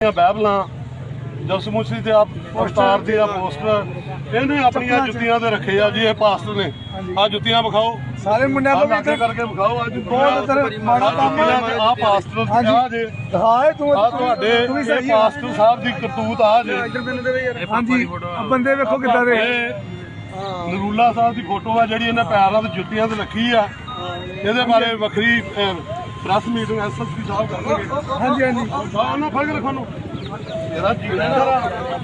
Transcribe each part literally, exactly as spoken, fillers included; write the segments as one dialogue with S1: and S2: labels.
S1: ਬਾਈਬਲਾਂ ਜਸਮੂਸੀ ਤੇ ਆ ਅਵਤਾਰ ਦੇ ਆ ਪੋਸਟਰ ਇਹਨੇ ਆਪਣੀਆਂ ਜੁੱਤੀਆਂ ਤੇ ਰੱਖੇ ਆ ਜੀ। ਇਹ ਪਾਸਟਰ ਨੇ ਆ ਜੁੱਤੀਆਂ ਵਿਖਾਓ
S2: ਸਾਰੇ ਮੁੰਡਿਆਂ ਨੂੰ
S1: ਵੀ ਕਰਕੇ ਵਿਖਾਓ। ਅੱਜ
S2: ਬਹੁਤ ਅਸਰ ਮਾੜਾ ਕੰਮ
S1: ਆ ਪਾਸਟਰ ਆ ਜੇ
S2: ਹਾਂ ਤੂੰ
S1: ਆ ਤੁਹਾਡੇ ਇਹ ਪਾਸਟਰ ਸਾਹਿਬ ਦੀ ਕਰਤੂਤ ਆ ਜੇ।
S2: ਹਾਂਜੀ ਬੰਦੇ ਵੇਖੋ ਕਿੱਦਾਂ ਦੇ
S1: ਨਰੂਲਾ ਸਾਹਿਬ ਦੀ ਫੋਟੋ ਆ ਜਿਹੜੀ ਇਹਨਾਂ ਪੈਰਾਂ ਤੇ ਜੁੱਤੀਆਂ ਤੇ ਰੱਖੀ ਆ। ਇਹਦੇ ਬਾਰੇ ਵੱਖਰੀ ਪ੍ਰੈਸ ਮੀਟਿੰਗ ਐਸਐਸਪੀ ਸਾਹਿਬ ਕਰਨਗੇ।
S2: ਹਾਂਜੀ ਹਾਂਜੀ
S1: ਉਹਨਾਂ ਫਰਕ ਰੱਖਣ ਨੂੰ ਇਹਦਾ ਜੀਣਾ ਸਾਰਾ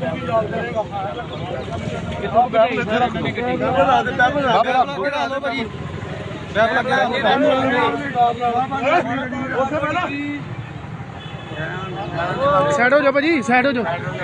S1: ਕਿਥੋਂ ਬੈਠ ਇੱਥੇ ਰੱਖ
S2: ਸਾਈਡ ਹੋ ਜਾ ਭਾਜੀ, ਸਾਈਡ ਹੋ ਜਾ,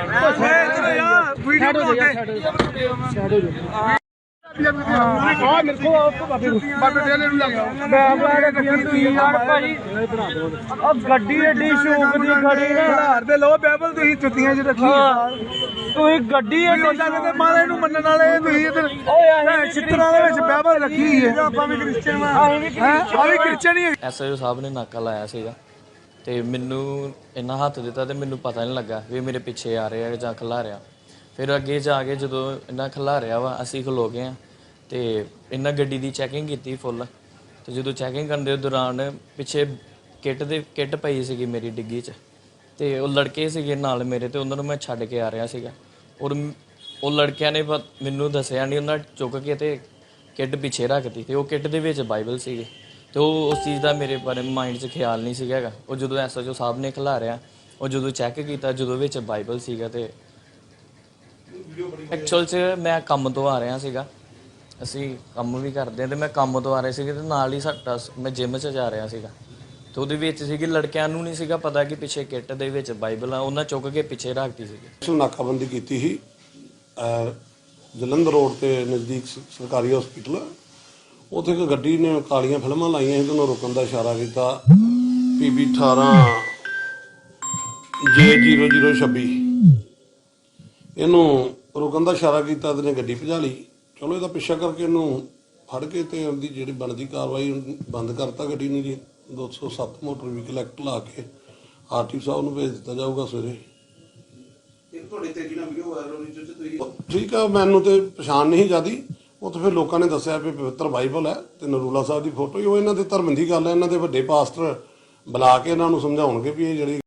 S2: ਸਾਈਡ ਹੋ ਜਾ, ਸਾਈਡ ਹੋ ਜਾ। ਆ ਮੇਰੇ ਕੋ ਬਾਬੇ ਬਾਬੇ ਡੇਲੇ ਨੂੰ ਲੱਗ ਗਿਆ ਬਾਬਾ ਦੇ ਕੀ ਯਾਰ ਭਾਜੀ ਆ ਗੱਡੀ ਏਡੀ ਸ਼ੌਕ ਦੀ ਖੜੀ ਨਾ ਹਾਰ ਦੇ ਲੋ ਬਾਈਬਲ ਤੁਸੀਂ ਜੁੱਤੀਆਂ 'ਚ ਰੱਖੀ ਤੁਸੀਂ ਗੱਡੀ ਏਡੀ ਲੱਗਦੇ ਮਾਰੇ ਨੂੰ ਮੰਨਣ ਵਾਲੇ ਤੁਸੀਂ ਇਧਰ ਓਏ ਚਿੱਤਰਾਂ ਦੇ ਵਿੱਚ ਬਾਈਬਲ ਰੱਖੀ ਹੈ। ਆਪਾਂ ਵੀ ਕ੍ਰਿਸਚੀਅਨ ਆ ਵੀ ਕ੍ਰਿਸਚੀਅਨ ਹੀ।
S3: ਐਸਆਈਓ ਸਾਹਿਬ ਨੇ ਨਾਕਾ ਲਾਇਆ ਸੀਗਾ ਤੇ ਮੈਨੂੰ ਇੰਨਾ ਹੱਥ ਦਿੱਤਾ ਤੇ ਮੈਨੂੰ ਪਤਾ ਨਹੀਂ ਲੱਗਾ ਵੀ ਮੇਰੇ ਪਿੱਛੇ ਆ ਰਿਹਾ ਜਾਂ ਖਿਲਾ ਰਿਹਾ। ਫਿਰ ਅੱਗੇ ਜਾ ਕੇ ਜਦੋਂ ਇਹਨਾਂ ਖਿਲਾ ਰਿਹਾ ਵਾ ਅਸੀਂ ਖਲੋ ਗਏ ਹਾਂ ਤੇ ਇਹਨਾਂ ਗੱਡੀ ਦੀ ਚੈਕਿੰਗ ਕੀਤੀ ਫੁੱਲ। ਤੇ ਜਦੋਂ ਚੈਕਿੰਗ ਕਰਨ ਦੇ ਦੌਰਾਨ ਪਿੱਛੇ ਕਿੱਟ ਦੇ ਕਿੱਟ ਪਈ ਸੀਗੀ ਮੇਰੀ ਡਿੱਗੀ 'ਚ ਤੇ ਉਹ ਲੜਕੇ ਸੀਗੇ ਨਾਲ ਮੇਰੇ ਤੇ ਉਹਨਾਂ ਨੂੰ ਮੈਂ ਛੱਡ ਕੇ ਆ ਰਿਹਾ ਸੀਗਾ ਔਰ ਉਹ ਲੜਕਿਆਂ ਨੇ ਮੈਨੂੰ ਦੱਸਿਆ ਨਹੀਂ, ਉਹਨਾਂ ਚੁੱਕ ਕੇ ਤੇ ਕਿੱਟ ਪਿੱਛੇ ਰੱਖਤੀ ਤੇ ਉਹ ਕਿੱਟ ਦੇ ਵਿੱਚ ਬਾਈਬਲ ਸੀਗੇ ਤੇ ਉਹ ਉਸ ਚੀਜ਼ ਦਾ ਮੇਰੇ ਬਾਰੇ ਮਾਈਂਡ 'ਚ ਖਿਆਲ ਨਹੀਂ ਸੀਗਾ ਹੈਗਾ। ਉਹ ਜਦੋਂ ਐਸਐਚਓ ਸਾਹਿਬ ਨੇ ਖਿਲਾਰਿਆ ਉਹ ਜਦੋਂ ਚੈੱਕ ਕੀਤਾ ਜਦੋਂ ਵਿੱਚ ਬਾਈਬਲ ਸੀਗਾ ਤੇ ਐਕਚੁਅਲ 'ਚ ਮੈਂ ਕੰਮ ਤੋਂ ਆ ਰਿਹਾ ਸੀਗਾ, ਅਸੀਂ ਕੰਮ ਵੀ ਕਰਦੇ ਹਾਂ ਤੇ ਮੈਂ ਕੰਮ ਤੋਂ ਆ ਰਿਹਾ ਸੀਗਾ ਤੇ ਨਾਲ ਹੀ ਸਾਡਾ ਮੈਂ ਜਿਮ 'ਚ ਜਾ ਰਿਹਾ ਸੀਗਾ ਤੇ ਉਹਦੇ ਵਿੱਚ ਸੀਗੀ ਲੜਕਿਆਂ ਨੂੰ ਨਹੀਂ ਸੀਗਾ ਪਤਾ ਕਿ ਪਿੱਛੇ ਕਿੱਟ ਦੇ ਵਿੱਚ ਬਾਈਬਲ ਆ, ਉਹਨਾਂ ਚੁੱਕ ਕੇ ਪਿੱਛੇ ਰੱਖਤੀ ਸੀਗੀ।
S4: ਨਾਕਾਬੰਦੀ ਕੀਤੀ ਸੀ ਜਲੰਧਰ ਰੋਡ ਤੇ ਨਜ਼ਦੀਕ ਸਰਕਾਰੀ ਹਸਪੀਟਲ। ਉੱਥੇ ਇੱਕ ਗੱਡੀ ਨੇ ਕਾਲੀਆਂ ਫਿਲਮਾਂ ਲਾਈਆਂ ਸੀ ਤੇ ਉਹਨੂੰ ਰੁਕਣ ਦਾ ਇਸ਼ਾਰਾ ਕੀਤਾ। ਪੀਬੀ ਅਠਾਰਾਂ ਜੇ ਜ਼ੀਰੋ ਜ਼ੀਰੋ ਛੱਬੀ ਇਹਨੂੰ ਰੁਕਣ ਦਾ ਇਸ਼ਾਰਾ ਕੀਤਾ ਤੇ ਨੇ ਗੱਡੀ ਭਜਾ ਲਈ। ਚਲੋ ਇਹਦਾ ਪਿੱਛਾ ਕਰਕੇ ਇਹਨੂੰ ਫੜ ਕੇ ਤੇ ਉਹਦੀ ਜਿਹੜੀ ਬਣਦੀ ਕਾਰਵਾਈ ਬੰਦ ਕਰਤਾ ਗੱਡੀ ਨੂੰ ਜੀ। ਦੋ ਸੌ ਸੱਤ ਮੋਟਰ ਵਹੀਕਲ ਐਕਟ ਲਾ ਕੇ ਆਰਟੀ ਸਾਹਿਬ ਨੂੰ ਭੇਜ ਦਿੱਤਾ ਜਾਊਗਾ ਸਵੇਰੇ। ਠੀਕ ਆ, ਮੈਨੂੰ ਤੇ ਪਛਾਣ ਨਹੀਂ ਜਿਆਦੀ। ਉੱਥੇ ਫਿਰ ਲੋਕਾਂ ਨੇ ਦੱਸਿਆ ਵੀ ਪਵਿੱਤਰ ਬਾਈਬਲ ਹੈ ਤੇ ਨਰੂਲਾ ਸਾਹਿਬ ਦੀ ਫੋਟੋ ਹੀ। ਉਹ ਇਹਨਾਂ ਦੇ ਧਰਮ ਦੀ ਗੱਲ ਹੈ, ਇਹਨਾਂ ਦੇ ਵੱਡੇ ਪਾਸਟਰ ਬੁਲਾ ਕੇ ਇਹਨਾਂ ਨੂੰ ਸਮਝਾਉਣਗੇ ਵੀ ਇਹ ਜਿਹੜੀ